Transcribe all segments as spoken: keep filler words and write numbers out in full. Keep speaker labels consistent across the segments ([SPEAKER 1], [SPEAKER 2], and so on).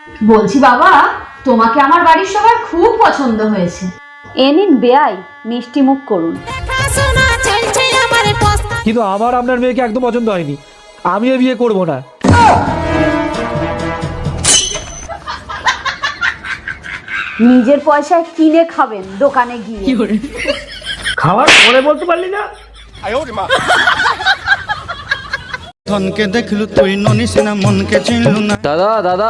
[SPEAKER 1] বলছি বাবা, তোমাকে আমার বাড়ির সবার খুব পছন্দ হয়েছে।
[SPEAKER 2] এ নিন বেয়াই, মিষ্টি মুখ করুন।
[SPEAKER 3] কিন্তু আমার আপনার মেয়েকে একদম পছন্দ হয়নি, আমিও বিয়ে করব না।
[SPEAKER 2] নিজের পয়সায় কিনে খাবেন দোকানে গিয়ে।
[SPEAKER 3] খাওয়ার পরে বলতে পারলি না?
[SPEAKER 4] ধনকে দেখলু তুই ননিস না, মনকে চিনলু না।
[SPEAKER 5] দাদা দাদা,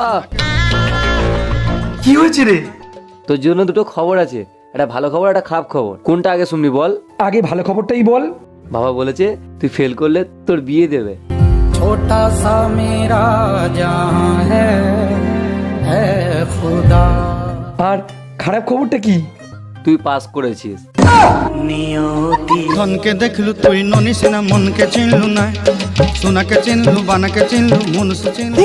[SPEAKER 3] কি হয়েছে রে?
[SPEAKER 5] তোর জন্য দুটো খবর আছে, একটা ভালো খবর একটা খারাপ খবর। কোনটা আগে শুনবি বল?
[SPEAKER 3] আগে ভালো খবরটাই বল।
[SPEAKER 5] বাবা বলেছে তুই ফেল করলে তোর বিয়ে দেবে।
[SPEAKER 4] ছোটা সা মেরা জাহাঁ হ্যায় খুদা।
[SPEAKER 3] আর খারাপ খবরটা কি?
[SPEAKER 5] তুই পাস করেছিস।
[SPEAKER 4] ধনকে দেখলু তুই ননিস না, মনকে চিনলু না। সোনাকে চিনলু, বানাকে চিনলু, মনুষ্য চিনলু।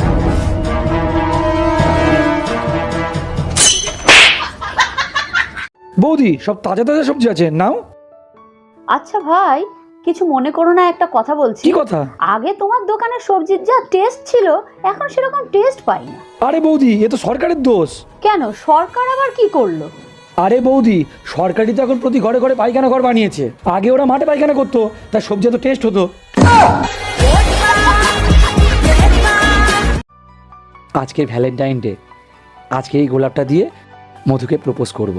[SPEAKER 3] বৌদি, সব তাজা তাজা সবজি আছে, নাও।
[SPEAKER 2] আচ্ছা ভাই, কিছু মনে করো না, একটা কথা বলছি।
[SPEAKER 3] কি কথা?
[SPEAKER 2] আগে তোমার দোকানের সবজির যা টেস্ট ছিল, এখন সেরকম টেস্ট পাই না।
[SPEAKER 3] আরে বৌদি, এ তো সরকারের দোষ।
[SPEAKER 2] কেন, সরকার আবার কি করলো?
[SPEAKER 3] আরে বৌদি, সরকারি তো এখন প্রতি ঘরে ঘরে পায়খানা ঘর বানিয়েছে। আগে ওরা মাঠে পায়খানা করতো, তার সবজি এত টেস্ট হতো। আজকে ভ্যালেন্টাইন ডে, আজকে এই গোলাপটা দিয়ে মধুকে প্রপোজ করব।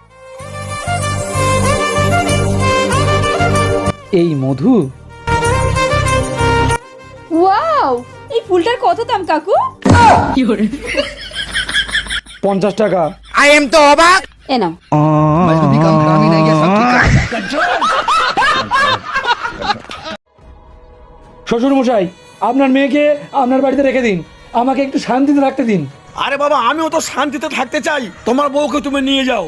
[SPEAKER 3] এই মধু।
[SPEAKER 6] ওয়াও, এই ফুলটার কত দাম কাকু?
[SPEAKER 3] পঞ্চাশ টাকা।
[SPEAKER 6] এ নাও।
[SPEAKER 3] শ্বশুর মশাই, আপনার মেয়েকে আপনার বাড়িতে রেখে দিন, আমাকে একটু শান্তিতে রাখতে দিন।
[SPEAKER 7] আরে বাবা, আমিও তো শান্তিতে থাকতে চাই, তোমার বউকে তুমি নিয়ে যাও।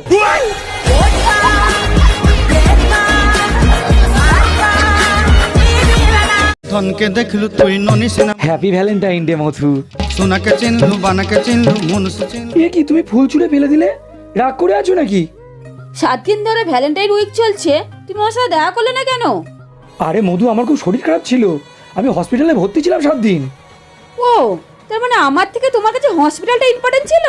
[SPEAKER 4] ধনকে দেখলু তুই ননিস না,
[SPEAKER 3] হ্যাপি ভ্যালেন্টাইন ডে মধু।
[SPEAKER 4] সোনাকে চিনলু, বানাকে চিনলু, মনুষ্য চিনলু।
[SPEAKER 3] এ কি, তুমি ফুল ছুঁড়ে ফেলে দিলে? রাগ করে আছো নাকি?
[SPEAKER 6] সাত দিন ধরে ভ্যালেন্টাইন উইক চলছে, তুমি আমার সাথে দেখা করলে না কেন?
[SPEAKER 3] আরে মধু, আমার খুব শরীর খারাপ ছিল, আমি হসপিটালে ভর্তি ছিলাম সাত দিন।
[SPEAKER 6] ও, তার মানে আমার থেকে তোমার কাছে হসপিটালটা ইম্পর্টেন্ট ছিল?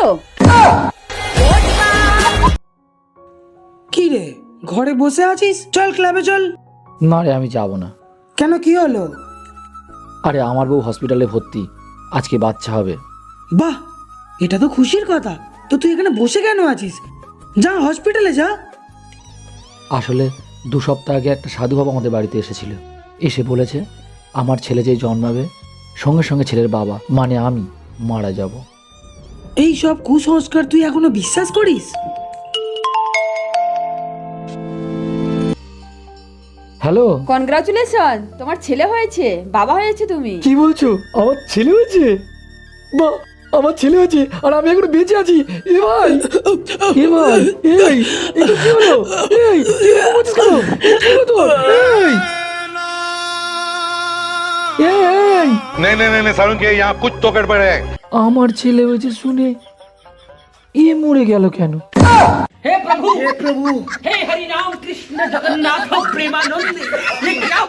[SPEAKER 8] কি রে, ঘরে বসে আছিস? চল ক্লাবে চল।
[SPEAKER 3] না রে, আমি যাব না।
[SPEAKER 8] কেন, কি হলো?
[SPEAKER 3] আরে আমার বউ হসপিটালে ভর্তি, আজকে বাচ্চা হবে।
[SPEAKER 8] বাহ, এটা তো খুশির কথা। তো তুই এখানে বসে কেন আছিস? যা হসপিটালে যা।
[SPEAKER 3] আসলে দু সপ্তাহ আগে একটা সাধু বাবা আমাদের বাড়িতে এসেছিল, এসে বলেছে আমার ছেলে যে জন্মাবে সঙ্গে সঙ্গে ছেলের বাবা মানে আমি মারা যাব।
[SPEAKER 8] এই সব কুসংস্কার তুই এখনো বিশ্বাস করিস?
[SPEAKER 3] হ্যালো,
[SPEAKER 6] কনগ্রাচুলেশন, তোমার ছেলে হয়েছে, বাবা হয়েছে তুমি।
[SPEAKER 3] কি বলছো? আমার ছেলে হয়েছে? বা, আমার ছেলে হয়েছে আর আমি এখনো বেঁচে আছি। এ ভাই, এ ভাই, এই এটা কি হলো? এই তুই এরকম করছিস কেন? এটা কি হলো তোর? এই এই এই
[SPEAKER 9] नहीं नहीं नहीं सारुण के यहाँ कुछ तो गड़बड़ है।
[SPEAKER 3] আমার ছেলে হয়েছে শুনে এ মরে গেল কেন?
[SPEAKER 10] हे प्रभु हे प्रभु हे हरि राम कृष्ण जगन्नाथ प्रेमानंद, ये क्या